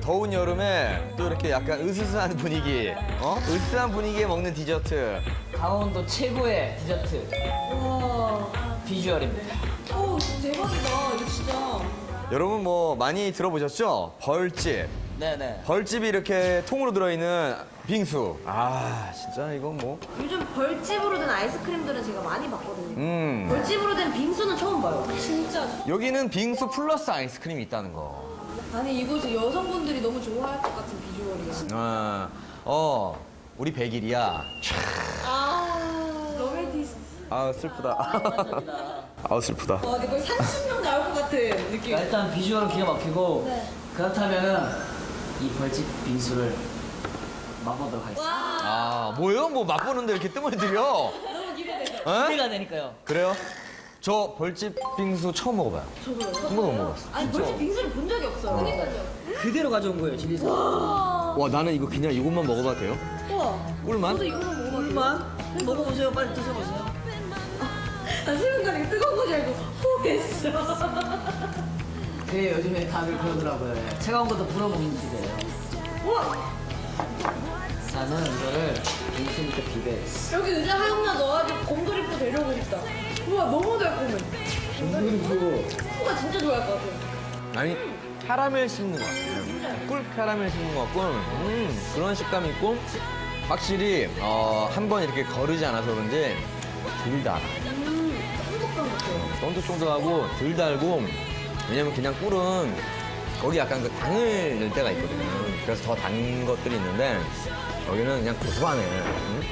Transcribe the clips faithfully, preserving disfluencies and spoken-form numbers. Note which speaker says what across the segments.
Speaker 1: 더운 여름에 또 이렇게 약간 으스스한 분위기, 어? 으스스한 분위기에 먹는 디저트.
Speaker 2: 강원도 최고의 디저트
Speaker 3: 와.
Speaker 2: 비주얼입니다.
Speaker 3: 오, 대박이다. 이거 진짜.
Speaker 1: 여러분 뭐 많이 들어보셨죠? 벌집.
Speaker 2: 네네.
Speaker 1: 벌집이 이렇게 통으로 들어있는 빙수. 아, 진짜 이건 뭐.
Speaker 3: 요즘 벌집으로 된 아이스크림들은 제가 많이 봤거든요.
Speaker 1: 음.
Speaker 3: 벌집으로 된 빙수는 처음 봐요. 진짜.
Speaker 1: 여기는 빙수 플러스 아이스크림이 있다는 거.
Speaker 3: 아니 이곳은 여성분들이 너무 좋아할 것 같은 비주얼이에요.
Speaker 1: 어, 어 우리 백일이야.
Speaker 3: 아, 로맨티스트.
Speaker 1: 아, 슬프다. 아, 슬프다.
Speaker 3: 와, 근데 거의 삼십 명 나올 것 같은 느낌.
Speaker 2: 일단 비주얼은 기가 막히고
Speaker 3: 네.
Speaker 2: 그렇다면은 이 벌집 빙수를 맛보도록 하겠습니다.
Speaker 3: 와,
Speaker 1: 아, 뭐예요? 뭐 맛보는데 이렇게 뜸을 들여?
Speaker 3: 너무 기대돼요.
Speaker 1: 어?
Speaker 2: 기대가 되니까요.
Speaker 1: 그래요? 저 벌집 빙수 처음 먹어봐요.
Speaker 3: 저도요.
Speaker 1: 한 번도 못 먹었어.
Speaker 3: 아니 벌집 빙수를 본 적이 없어요. 그러니까요.
Speaker 2: 그대로 가져온 거예요, 집에서.
Speaker 3: 와,
Speaker 1: 와, 나는 이거 그냥 이것만 먹어봐도 돼요?
Speaker 3: 우와.
Speaker 1: 꿀만?
Speaker 3: 저도 이거만 먹어봤어요.
Speaker 2: 꿀만 먹어보세요. 빨리 드셔보세요.
Speaker 3: 나 순간에 뜨거운 거 줄 알고 호했어.
Speaker 2: 그게 요즘에 다들 그러더라고요. 차가운 것도 불어먹는 집이에요.
Speaker 3: 우와,
Speaker 2: 나는 이거를 빙수 밑에 비벼했어.
Speaker 3: 여기 의자 하나 넣어가지고 곰돌이표 데려오고 싶다. 우와, 너무 달콤해.
Speaker 2: 그리고
Speaker 3: 후가 진짜 좋아할 것 같아요.
Speaker 1: 아니, 캐러멜 씹는 것 같아요. 꿀 캐러멜 씹는 것 같고, 음, 그런 식감이 있고, 확실히, 어, 한 번 이렇게 거르지 않아서 그런지 덜 달아.
Speaker 3: 음, 행복한 것 같아요.
Speaker 1: 쫀득쫀득하고 덜 달고, 왜냐면 그냥 꿀은 거기 약간 그 당을 넣을 때가 있거든요. 그래서 더 단 것들이 있는데, 여기는 그냥 고소하네. 음?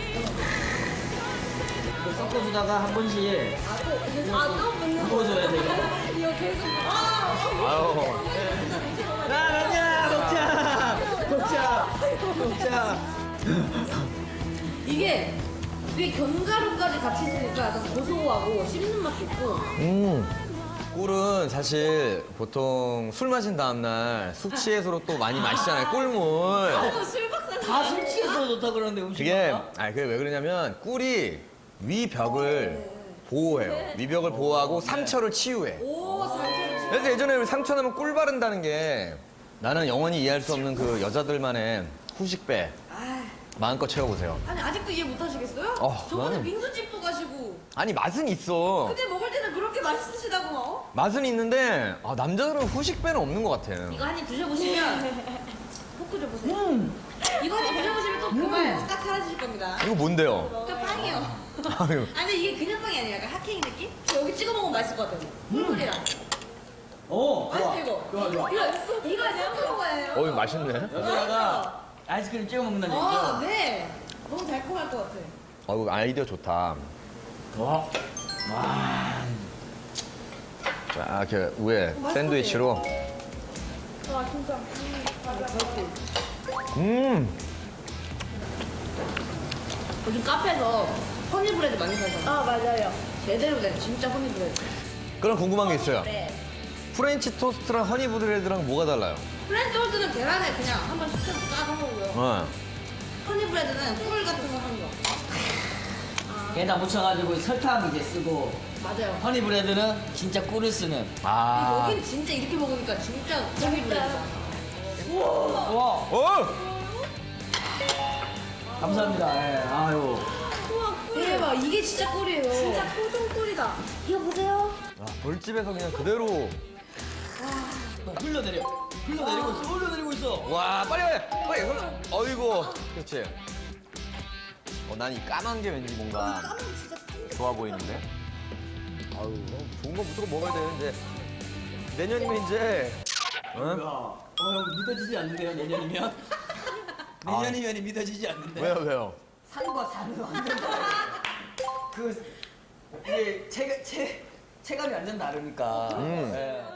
Speaker 2: 이거 섞어주다가 한 번씩
Speaker 3: 아, 또, 아, 또 묻는 거.
Speaker 2: 부어줘야 돼요.
Speaker 3: 이거 계속. 아,
Speaker 1: 아유.
Speaker 2: 야, 먹자! 먹자! 먹자! 먹자!
Speaker 3: 이게 위에 견과류까지 같이 있으니까 약간 고소하고 씹는 맛도 있고.
Speaker 1: 음. 꿀은 사실 보통 술 마신 다음날 숙취해소로 또 많이 마시잖아요. 꿀물.
Speaker 3: 아, 술 박사.
Speaker 2: 다 술취해서 좋다 그러는데 음식
Speaker 1: 그게,
Speaker 2: 먹나?
Speaker 1: 아, 그게 왜 그러냐면 꿀이 위벽을 보호해요. 위벽을 보호하고 상처를 치유해.
Speaker 3: 오, 살짝.
Speaker 1: 그래서 예전에 우리 상처 나면 꿀 바른다는 게 나는 영원히 이해할 수 없는 그 여자들만의 후식배.
Speaker 3: 아,
Speaker 1: 마음껏 채워보세요.
Speaker 3: 아니 아직도 이해 못 하시겠어요?
Speaker 1: 어,
Speaker 3: 저번에
Speaker 1: 나는-
Speaker 3: 빙수집도 가시고
Speaker 1: 아니, 맛은 있어.
Speaker 3: 그때 먹을 때는 그렇게 맛있으시다고 막. 어?
Speaker 1: 맛은 있는데 아, 남자들은 후식배는 없는 것 같아.
Speaker 3: 이거 한 입 드셔보시면 포크 줘보세요.
Speaker 2: 음.
Speaker 3: 이거 한 입 드셔보시면 또 그 말 딱 사라지실 겁니다.
Speaker 1: 이거 뭔데요?
Speaker 3: 저 빵이요.
Speaker 1: 아유.
Speaker 3: 아니 이게 그냥 빵이 아니라 약간 핫케이크 느낌? 여기 찍어 먹으면 맛있을 것 같아요. 꿀꿀이랑.
Speaker 2: 오, 좋아.
Speaker 3: 맛있죠 이거?
Speaker 2: 좋아, 좋아.
Speaker 3: 이거 이거 샘플 거예요.
Speaker 1: 어, 이거 맛있네.
Speaker 2: 여기다가 아이스크림 찍어 먹는다는
Speaker 3: 아,
Speaker 2: 얘기죠?
Speaker 3: 네. 너무 달콤할 것 같아.
Speaker 1: 어, 이거 아이디어 좋다.
Speaker 2: 와. 와.
Speaker 1: 자, 이렇게 위에 샌드위치로.
Speaker 3: 와 진짜.
Speaker 1: 음.
Speaker 3: 요즘 카페에서 허니브레드 많이 사잖아. 아 맞아요. 제대로 된 진짜 허니브레드.
Speaker 1: 그럼 궁금한 게 있어요.
Speaker 3: 네.
Speaker 1: 프렌치 토스트랑 허니브레드랑 뭐가 달라요?
Speaker 3: 프렌치 토스트는 계란에 그냥 한번 식혀서 싸서 먹고요.
Speaker 1: 어.
Speaker 3: 허니브레드는 꿀 같은 거 하는 거.
Speaker 2: 게다 묻혀가지고 설탕 이제 쓰고
Speaker 3: 맞아요.
Speaker 2: 허니브레드는 진짜 꿀을 쓰는.
Speaker 1: 아.
Speaker 3: 여긴 진짜 이렇게 먹으니까 진짜 허니브레드다. 우와.
Speaker 2: 와.
Speaker 1: 어!
Speaker 2: 감사합니다. 예. 아유.
Speaker 3: 우와 꿀. 대박. 이게 진짜 꿀이에요. 진짜 토종 꿀이다. 이거 보세요.
Speaker 1: 아, 벌집에서 그냥 그대로.
Speaker 2: 흘러내려. 흘러내리고 있어. 흘러내리고 있어.
Speaker 1: 와, 빨리 빨리. 빨리. 흘러. 어이구. 그렇지. 어, 난 이 까만 게 왠지 뭔가 좋아 보이는데. 아유, 좋은 거 무조건 먹어야 되는데. 내년이면 이제. 응?
Speaker 2: 어, 형 믿어지지 않는데요, 내년이면? 내년이면이 믿어지지 않는데.
Speaker 1: 왜요, 왜요?
Speaker 2: 산과 산은 완전 다르 그, 이게 체, 체, 체감이 완전 다르니까.
Speaker 1: 음.
Speaker 2: 예.